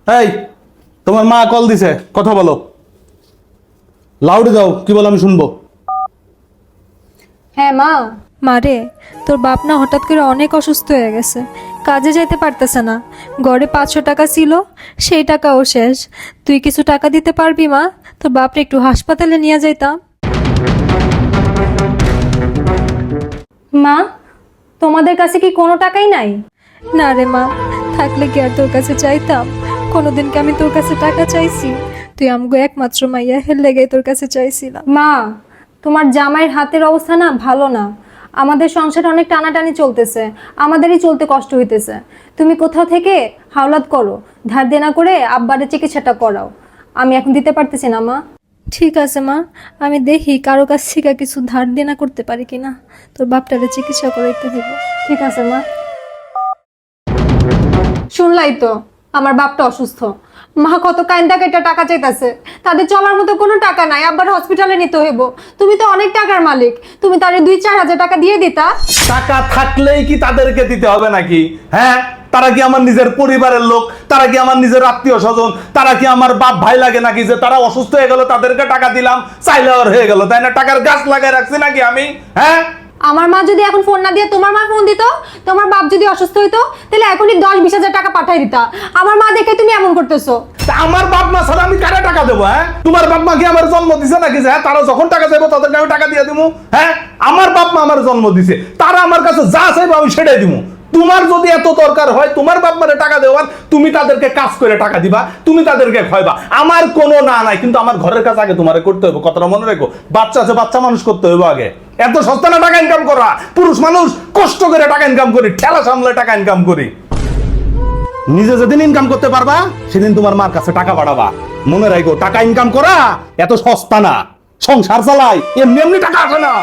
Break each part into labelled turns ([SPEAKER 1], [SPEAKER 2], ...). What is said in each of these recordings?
[SPEAKER 1] এই তোমার মা কল দিছে, কথা বলো। লাউডে দাও, কি বলো আমি শুনবো।
[SPEAKER 2] হ্যাঁ মা।
[SPEAKER 3] মারে, তোর বাপ না হঠাৎ করে অনেক অসুস্থ হয়ে গেছে, কাজে যাইতে পারতেছে না। ঘরে 500 টাকা ছিল, সেই টাকাও শেষ। তুই কিছু টাকা দিতে পারবি মা? তোর বাপরে একটু হাসপাতালে নিয়ে যাইতাম।
[SPEAKER 2] মা, তোমাদের কাছে কি কোনো টাকাই নাই?
[SPEAKER 3] না রে মা, থাকলে কি আর তোর কাছে চাইতাম? কোনোদিন কি আমি তোর কাছে টাকা চাইছি? তুই আমগো একমাত্র মাইয়া, হের লেগে তোর কাছে চাইছিলাম।
[SPEAKER 2] মা, তোমার জামাইয়ের হাতের অবস্থা না ভালো না। আমাদের সংসারে অনেক টানাটানি চলতেছে, আমাদেরই চলতে কষ্ট হইতেছে। তুমি কোথাও থেকে হাওলাত করো, ধার দেনা করে আব্বারের চিকিৎসাটা করাও। আমি এখন দিতে পারতেছি না মা।
[SPEAKER 3] ঠিক আছে মা, আমি দেখি কারো কাছ থেকে কিছু ধার দেনা করতে পারি কিনা। তোর বাপটারে চিকিৎসা করাইতে দিব।
[SPEAKER 2] ঠিক আছে মা। শুনলাই তো, আমার বাপটা অসুস্থ। মা কত কাইন্দা কেটে টাকা চাইতেছে, তাদের চলার মতো কোনো টাকা নাই, আব্বার হসপিটালে নিতে হইব। তুমি তো অনেক টাকার মালিক, তুমি তারে 2-4 হাজার টাকা দিয়ে দিতা।
[SPEAKER 1] টাকা থাকলেই কি তাদেরকে দিতে হবে নাকি? হ্যাঁ, তারা কি আমার নিজের পরিবারের লোক? তারা কি আমার নিজের আত্মীয় স্বজন? তারা কি আমার বাপ ভাই লাগে নাকি যে তারা অসুস্থ হয়ে গেল তাদেরকে টাকা দিলাম, চাইলে আর হয়ে গেল, তাই না? টাকার গাছ লাগাই রাখছি নাকি আমি? হ্যাঁ,
[SPEAKER 2] আমার মা যদি এখন ফোন না দিয়ে তোমার মা ফোন দিত, তোমার বাপ যদি অসুস্থ হইতো, তাহলে এখনই 10-20 হাজার টাকা পাঠাই দিতা। আমার মা দেখে তুমি এমন করতেছো।
[SPEAKER 1] তা আমার বাপ মা ছাড়া আমি কারে টাকা দেবো? হ্যাঁ, তোমার বাপ মা কি আমার জন্ম দিছে নাকি যে হ্যাঁ তারা যখন টাকা চাইবো তাদেরকে আমি টাকা দিয়ে দিব? হ্যাঁ, আমার বাপ মা আমার জন্ম দিছে, তারা আমার কাছে যা চাইবো আমি সেটাই দিব। তোমার যদি এত দরকার হয় তোমার বাপ মারে টাকা দেওয়ার, তুমি তাদেরকে কাজ করে টাকা দিবা, তুমি তাদেরকে খাইবা, আমার কোনো না নাই। কিন্তু আমার ঘরের কাজ আগে তোমারে করতে হবে, কথাটা মনে রেখো। বাচ্চা আছে, বাচ্চা মানুষ করতে হবে আগে। এত সস্তা না টাকা ইনকাম করা? পুরুষ মানুষ কষ্ট করে টাকা ইনকাম করি, ঠেলা সামলে টাকা ইনকাম করি। নিজে যেদিন ইনকাম করতে পারবা সেদিন তোমার মার কাছে টাকা পাঠাবা। মনে রাখো, টাকা ইনকাম করা এত সস্তা না। সংসার চালাই এমনি এমনি টাকা আসে না।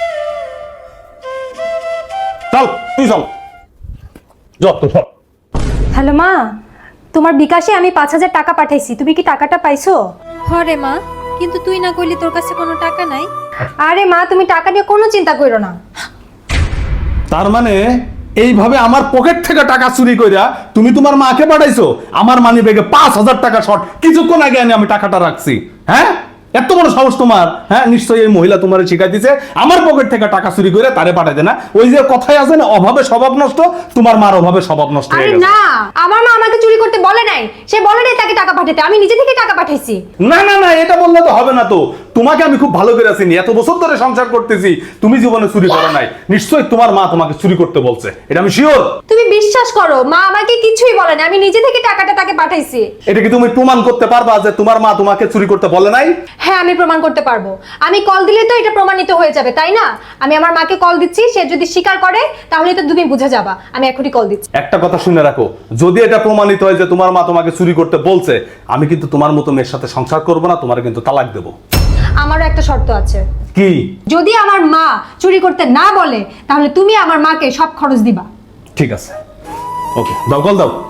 [SPEAKER 1] চল, তুই চল, যত সব।
[SPEAKER 2] হ্যালো মা, তোমার বিকাশে আমি 5,000 টাকা পাঠাইছি, তুমি কি টাকাটা পাইছো?
[SPEAKER 3] হরে মা, কিন্তু তুই না কইলি তোর কাছে কোনো টাকা নাই।
[SPEAKER 2] আরে মা, তুমি টাকা নিয়ে কোনো চিন্তা করো না।
[SPEAKER 1] তার মানে এইভাবে আমার পকেট থেকে টাকা চুরি কইরা তুমি তোমার মাকে পাঠাইছো? আমার মানি ব্যাগে 5,000 টাকা শর্ট, কিছুক্ষণ আগে আমি টাকাটা রাখছি। হ্যাঁ, এত বড় সাহস তোমার? হ্যাঁ, নিশ্চয়ই এই মহিলা তোমার শিখাই দিছে আমার পকেট থেকে টাকা চুরি করে তারে পাঠাইতে না? ওই যে কথাই আছে না, অভাবে স্বভাব নষ্ট, তোমার মার অভাবে স্বভাব নষ্ট হয়ে
[SPEAKER 2] আরে
[SPEAKER 1] গেছে।
[SPEAKER 2] না, আমার মা আমাকে চুরি করতে বলে নাই, সে বলে নাই তাকে টাকা পাঠাতে, আমি নিজে থেকে টাকা পাঠাইছি।
[SPEAKER 1] না না না, এটা বললে তো হবে না। তো তোমাকে আমি খুব ভালো করে চিনি, এত বছর ধরে সংসার করতেছি, তুমি জীবনে চুরি করো নাই। নিশ্চয়ই তোমার মা তোমাকে চুরি করতে বলছে, এটা আমি শিওর।
[SPEAKER 2] তুমি বিশ্বাস করো, মা আমাকে কিছুই বলে না, আমি নিজে থেকে টাকাটা তাকে পাঠাইছি।
[SPEAKER 1] এটা কি তুমি প্রমাণ করতে পারবা যে তোমার মা তোমাকে চুরি করতে বলে নাই?
[SPEAKER 2] হ্যাঁ, আমি প্রমাণ করতে পারবো। আমি কল দিলে তো এটা প্রমাণিত হয়ে যাবে, তাই না? আমি আমার মাকে কল দিচ্ছি, সে যদি স্বীকার করে তাহলে তো তুমি বুঝে যাবা। আমি এখনই কল দিচ্ছি।
[SPEAKER 1] একটা কথা শুনে রাখো, যদি এটা প্রমাণিত হয় যে তোমার মা তোমাকে চুরি করতে বলছে, আমি কিন্তু তোমার মতো মেয়ের সাথে সংসার করবো না, তোমার কিন্তু তালাক দেবো।
[SPEAKER 2] আমারও একটা শর্ত আছে।
[SPEAKER 1] কি?
[SPEAKER 2] যদি আমার মা চুরি করতে না বলে তাহলে তুমি আমার মাকে সব খরচ দিবা।
[SPEAKER 1] ঠিক আছে, ওকে, দাও, কল দাও।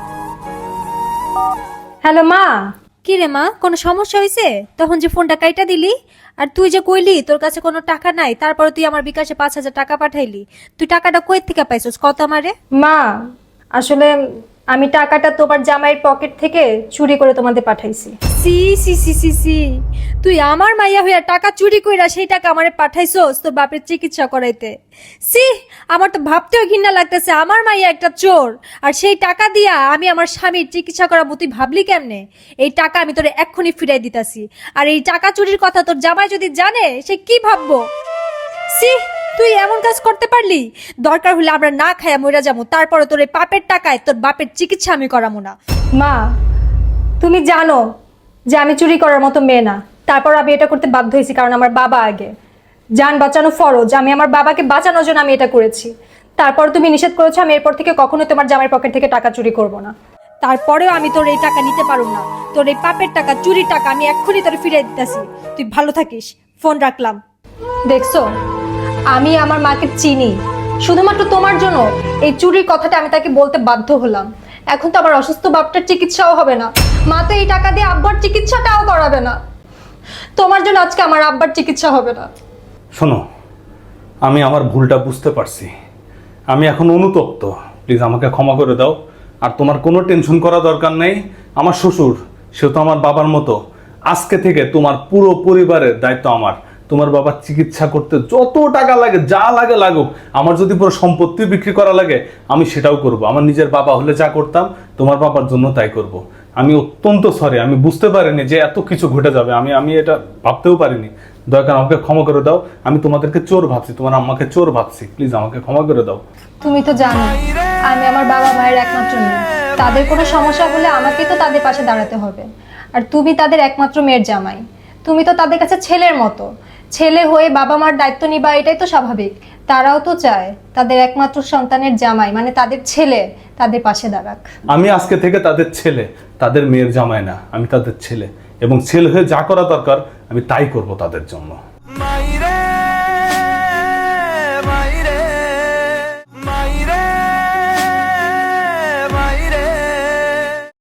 [SPEAKER 2] হ্যালো মা।
[SPEAKER 3] কি রে মা, কোনো সমস্যা হয়েছে? তখন যে ফোনটা কাইটা দিলি, আর তুই যে কইলি তোর কাছে কোনো টাকা নাই, তারপরে তুই আমার বিকাশে 5,000 টাকা পাঠাইলি। তুই টাকাটা কই থেকে পাইছস কত আমারে?
[SPEAKER 2] মা, আসলে আমি টাকাটা তোমার জামাইয়ের পকেট থেকে চুরি করে তোমাদের পাঠাইছি।
[SPEAKER 3] সি সি সি সি সি, তুই আমার মাইয়া হইয়া টাকা চুরি কইরা সেই টাকা আমারে পাঠাইছস তোর বাপের চিকিৎসা করাইতে। সি, আমার তো ভাবতেও ঘৃণা লাগতেছে, আমার মাইয়া একটা চোর, আর সেই টাকা দিয়া আমি আমার স্বামীর চিকিৎসা করাবো। তুই ভাবলি কেমনে? এই টাকা আমি তোরে এক্ষুনি ফিরাই দিতাছি, আর এই টাকা চুরির কথা তোর জামাই যদি জানে সে কি ভাববো? সি, তুই এমন কাজ করতে পারলি? দরকার হলে আমরা না খাইয়া মইরা যাবো, তারপরে তোর এই পাপের টাকায় তোর বাপের চিকিৎসা আমি করাবো না।
[SPEAKER 2] মা, তুমি জানো যে আমি চুরি করার মতো মেয়ে না, তারপর আমি এটা করতে বাধ্য হয়েছি কারণ আমার বাবা আগে। জান বাঁচানো ফরজ, আমি আমার বাবাকে বাঁচানোর জন্য আমি এটা করেছি। তারপর তুমি নিষেধ করেছো, আমি এরপর থেকে কখনোই তোমার জামাইয়ের পকেট থেকে টাকা চুরি করব না।
[SPEAKER 3] তারপরেও আমি তোর এই টাকা নিতে পারুম না। তোর এই পাপের টাকা, চুরির টাকা আমি এক্ষুনি তোর ফিরে দিতেছি। তুই ভালো থাকিস, ফোন রাখলাম।
[SPEAKER 2] দেখছো, আমি আমার মাকে চিনি, শুধুমাত্র তোমার জন্য এই চুরির কথাটা আমি তাকে বলতে বাধ্য হলাম। এখন তো আমার অসুস্থ বাপটার চিকিৎসাও হবে না, মা তো এই টাকা দিয়ে আব্বার চিকিৎসাটাও করাবে না। তোমার জন্য আজকে আমার আব্বার চিকিৎসা হবে না।
[SPEAKER 1] শোনো, আমি আমার ভুলটা বুঝতে পারছি, আমি এখন অনুতপ্ত। প্লিজ আমাকে ক্ষমা করে দাও। আর তোমার কোনো টেনশন করা দরকার নেই, আমার শ্বশুর, সে তো আমার বাবার মতো। আজকে থেকে তোমার পুরো পরিবারের দায়িত্ব আমার। তোমার বাবার চিকিৎসা করতে যত টাকা লাগে, যা লাগে লাগুক, আমার যদি পুরো সম্পত্তি বিক্রি করা লাগে আমি সেটাও করব। আমার নিজের বাবা হলে যা করতাম তোমার বাবার জন্য তাই করব। আমি অত্যন্ত সরি, আমি বুঝতে পারিনি যে এত কিছু ঘটে যাবে। আমি এটা ভাবতেও পারিনি। দয়া করে আমাকে ক্ষমা করে দাও। আমি তোমাদেরকে চোর ভাবছি, তোমার আম্মাকে চোর ভাবছি। প্লিজ আমাকে ক্ষমা করে দাও।
[SPEAKER 2] তুমি তো জানো আমি আমার বাবা মায়ের একমাত্র মেয়ে। তাদের কোনো সমস্যা হলে আমাকেই তো তাদের পাশে দাঁড়াতে হবে। আর তুমি তাদের একমাত্র মেয়ের জামাই, তুমি তো তাদের কাছে ছেলের মতো। ছেলে হয়ে বাবা মার দায়িত্ব নিবা, এটাই তো স্বাভাবিক। তারাও তো চায় তাদের একমাত্র সন্তানের জামাই মানে তাদের ছেলে তাদের পাশে দাঁড়াক।
[SPEAKER 1] আমি আজকে থেকে তাদের ছেলে, তাদের মেয়ের জামাই না, আমি তাদের ছেলে। এবং ছেলে হয়ে যা করা দরকার আমি তাই করব তাদের জন্য।